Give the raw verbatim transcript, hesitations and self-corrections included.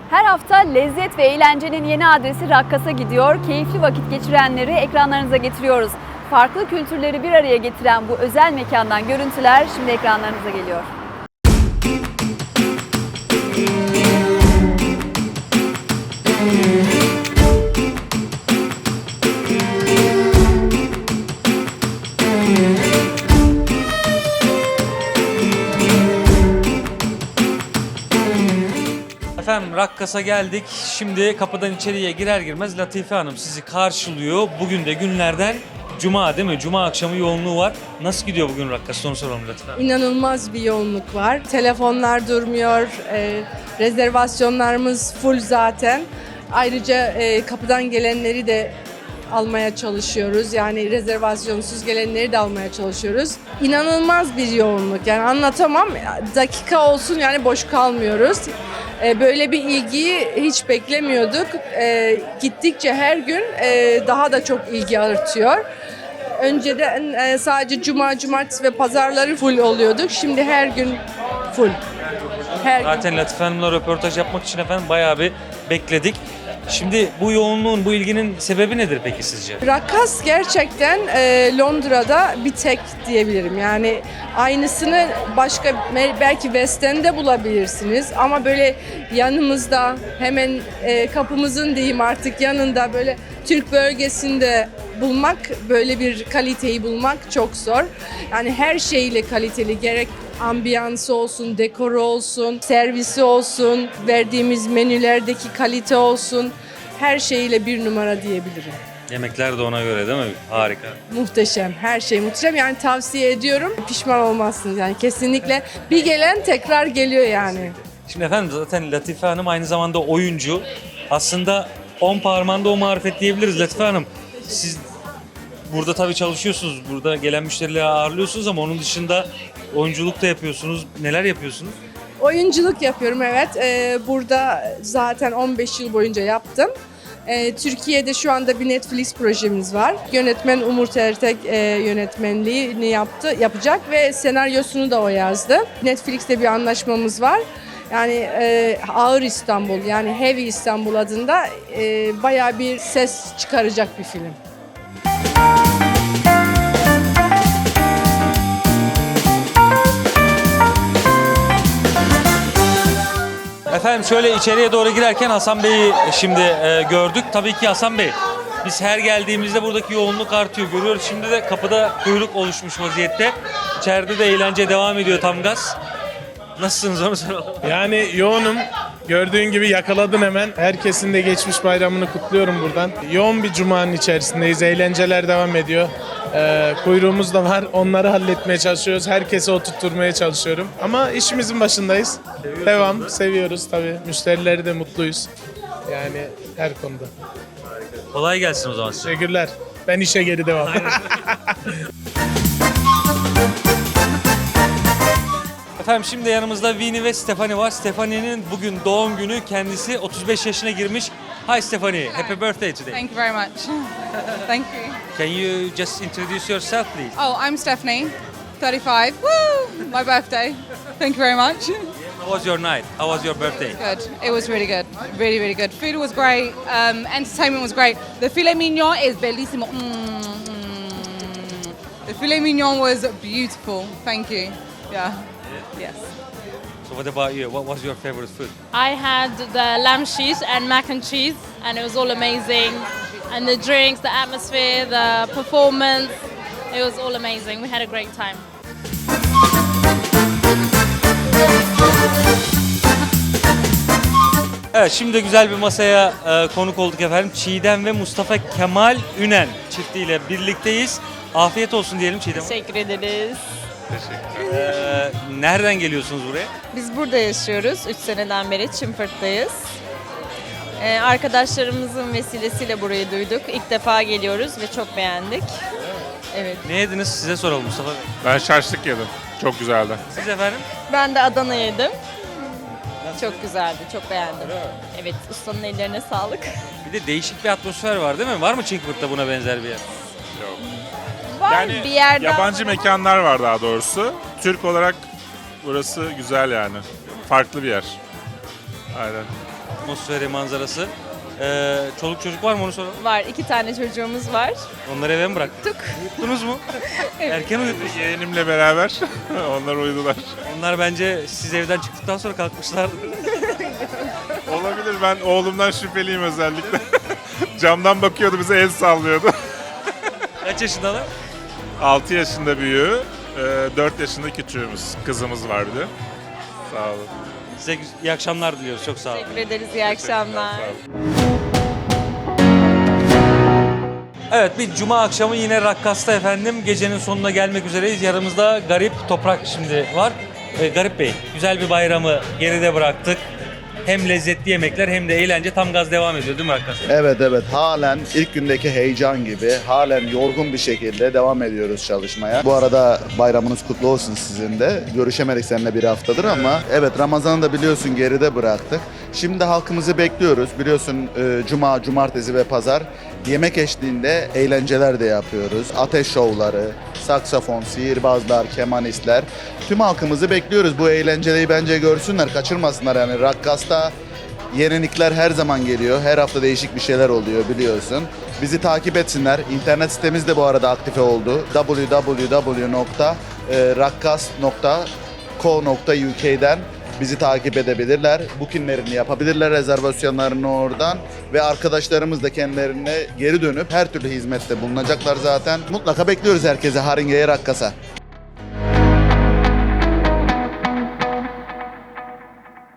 Her hafta lezzet ve eğlencenin yeni adresi Rakkas'a gidiyor. Keyifli vakit geçirenleri ekranlarınıza getiriyoruz. Farklı kültürleri bir araya getiren bu özel mekandan görüntüler şimdi ekranlarınıza geliyor. Efendim Rakkas'a geldik. Şimdi kapıdan içeriye girer girmez Latife Hanım sizi karşılıyor. Bugün de günlerden Cuma değil mi? Cuma akşamı yoğunluğu var. Nasıl gidiyor bugün Rakkas'ta onu soralım Latife Hanım. İnanılmaz bir yoğunluk var. Telefonlar durmuyor. E, rezervasyonlarımız full zaten. Ayrıca e, kapıdan gelenleri de almaya çalışıyoruz. Yani rezervasyonsuz gelenleri de almaya çalışıyoruz. İnanılmaz bir yoğunluk. Yani anlatamam. Dakika olsun yani boş kalmıyoruz. E, böyle bir ilgiyi hiç beklemiyorduk. E, gittikçe her gün e, daha da çok ilgi artıyor. Önceden e, sadece cuma, cumartesi ve pazarları full oluyorduk. Şimdi her gün full. Her Zaten gün. Latife Hanım'la röportaj yapmak için efendim bayağı bir bekledik. Şimdi bu yoğunluğun, bu ilginin sebebi nedir peki sizce? Rakkas gerçekten e, Londra'da bir tek diyebilirim. Yani aynısını başka belki West End'de bulabilirsiniz ama böyle yanımızda hemen e, kapımızın diyeyim artık yanında böyle Türk bölgesinde bulmak, böyle bir kaliteyi bulmak çok zor. Yani her şeyle kaliteli, gerek ambiyansı olsun, dekoru olsun, servisi olsun, verdiğimiz menülerdeki kalite olsun, her şeyle bir numara diyebilirim. Yemekler de ona göre değil mi? Harika. Muhteşem, her şey muhteşem. Yani tavsiye ediyorum, pişman olmazsınız yani kesinlikle. Bir gelen tekrar geliyor yani. Şimdi efendim zaten Latife Hanım aynı zamanda oyuncu. Aslında on parmağında o marifet diyebiliriz Latife Hanım. Siz burada tabii çalışıyorsunuz, burada gelen müşterileri ağırlıyorsunuz ama onun dışında oyunculuk da yapıyorsunuz. Neler yapıyorsunuz? Oyunculuk yapıyorum evet. Ee, burada zaten on beş yıl boyunca yaptım. Ee, Türkiye'de şu anda bir Netflix projemiz var. Yönetmen Umur Ertek e, yönetmenliğini yaptı, yapacak ve senaryosunu da o yazdı. Netflix'te bir anlaşmamız var. Yani e, Ağır İstanbul, yani Heavy İstanbul adında e, bayağı bir ses çıkaracak bir film. Efendim şöyle içeriye doğru girerken Hasan Bey'i şimdi e, gördük. Tabii ki Hasan Bey, biz her geldiğimizde buradaki yoğunluk artıyor. Görüyoruz şimdi de kapıda kuyruk oluşmuş vaziyette. İçeride de eğlence devam ediyor tam gaz. Nasılsınız onu soralım. Yani yoğunum. Gördüğün gibi yakaladın hemen. Herkesin de geçmiş bayramını kutluyorum buradan. Yoğun bir cumanın içerisindeyiz. Eğlenceler devam ediyor. Ee, kuyruğumuz da var. Onları halletmeye çalışıyoruz. Herkesi oturtturmaya çalışıyorum. Ama işimizin başındayız. Devam. Seviyoruz tabii. Müşterileri de mutluyuz. Yani her konuda. Kolay gelsin o zaman size. Teşekkürler. Ben işe geri devam. Efendim şimdi yanımızda Vini ve Stephanie var. Stephanie'nin bugün doğum günü. Kendisi otuz beş yaşına girmiş. Hi Stephanie, happy birthday today. Thank you very much. Thank you. Can you just introduce yourself please? Oh, I'm Stephanie, thirty-five. Woo! My birthday. Thank you very much. How was your night? How was your birthday? Good. It was really good. Really, really good. Food was great. Um, entertainment was great. The filet mignon is bellissimo. Mm, mm. The filet mignon was beautiful. Thank you. Yeah. Yes. So what about you? What was your favorite food? I had the lamb sheet and mac and cheese, and it was all amazing. And the drinks, the atmosphere, the performance, it was all amazing. We had a great time. Evet şimdi güzel bir masaya e, konuk olduk efendim. Çiğdem ve Mustafa Kemal Ünen çiftiyle birlikteyiz. Afiyet olsun diyelim Çiğdem. Teşekkür ederiz. Ee, nereden geliyorsunuz buraya? Biz burada yaşıyoruz. üç seneden beri Çimfırt'tayız. Ee, arkadaşlarımızın vesilesiyle burayı duyduk. İlk defa geliyoruz ve çok beğendik. Evet. Ne yediniz size soralım Mustafa Bey. Ben şaşlık yedim. Çok güzeldi. Siz efendim? Ben de Adana yedim. Çok güzeldi, çok beğendim. Evet, ustanın ellerine sağlık. Bir de değişik bir atmosfer var değil mi? Var mı Çinkfurt'ta buna benzer bir yer? Yok. Var Yani bir yerde. yabancı mekanlar var daha doğrusu. Türk olarak burası güzel yani. Farklı bir yer. Aynen. atmosferi, manzarası. Ee, çoluk çocuk var mı onu soralım. Var, iki tane çocuğumuz var. Onları eve mi bıraktık? Uyuttunuz mu? Erken uyutmuş. Yeğenimle beraber onlar uyudular. Onlar bence siz evden çıktıktan sonra kalkmışlardı. Olabilir, ben oğlumdan şüpheliyim özellikle. Camdan bakıyordu, bize el sallıyordu. Kaç yaşındalar? altı yaşında büyüğü, dört yaşında küçüğümüz. Kızımız var bir de. Sağ olun. Size iyi akşamlar diliyoruz. Çok sağ olun. Teşekkür ederiz, iyi akşamlar. Sağ olun. Evet, bir cuma akşamı yine Rakkas'ta efendim. Gecenin sonuna gelmek üzereyiz. Yanımızda Garip Toprak şimdi var. Ee, Garip Bey, güzel bir bayramı geride bıraktık. Hem lezzetli yemekler hem de eğlence tam gaz devam ediyor değil mi Rakkas'ta? Evet evet halen ilk gündeki heyecan gibi halen yorgun bir şekilde devam ediyoruz çalışmaya. Bu arada bayramınız kutlu olsun sizin de. Görüşemedik seninle bir haftadır ama evet Ramazan'ı da biliyorsun geride bıraktık. Şimdi halkımızı bekliyoruz. Biliyorsun e, cuma, cumartesi ve pazar yemek eşliğinde eğlenceler de yapıyoruz. Ateş şovları, saksafon, sihirbazlar, kemanistler. Tüm halkımızı bekliyoruz. Bu eğlenceyi bence görsünler, kaçırmasınlar yani. Rakkas'ta yenilikler her zaman geliyor. Her hafta değişik bir şeyler oluyor biliyorsun. Bizi takip etsinler. İnternet sitemiz de bu arada aktive oldu. double-u double-u double-u nokta rakkas nokta co nokta u k'den bizi takip edebilirler. Bookinglerini yapabilirler, rezervasyonlarını oradan ve arkadaşlarımız da kendilerine geri dönüp her türlü hizmette bulunacaklar zaten. Mutlaka bekliyoruz herkese Haringe'ye, Rakkas'a.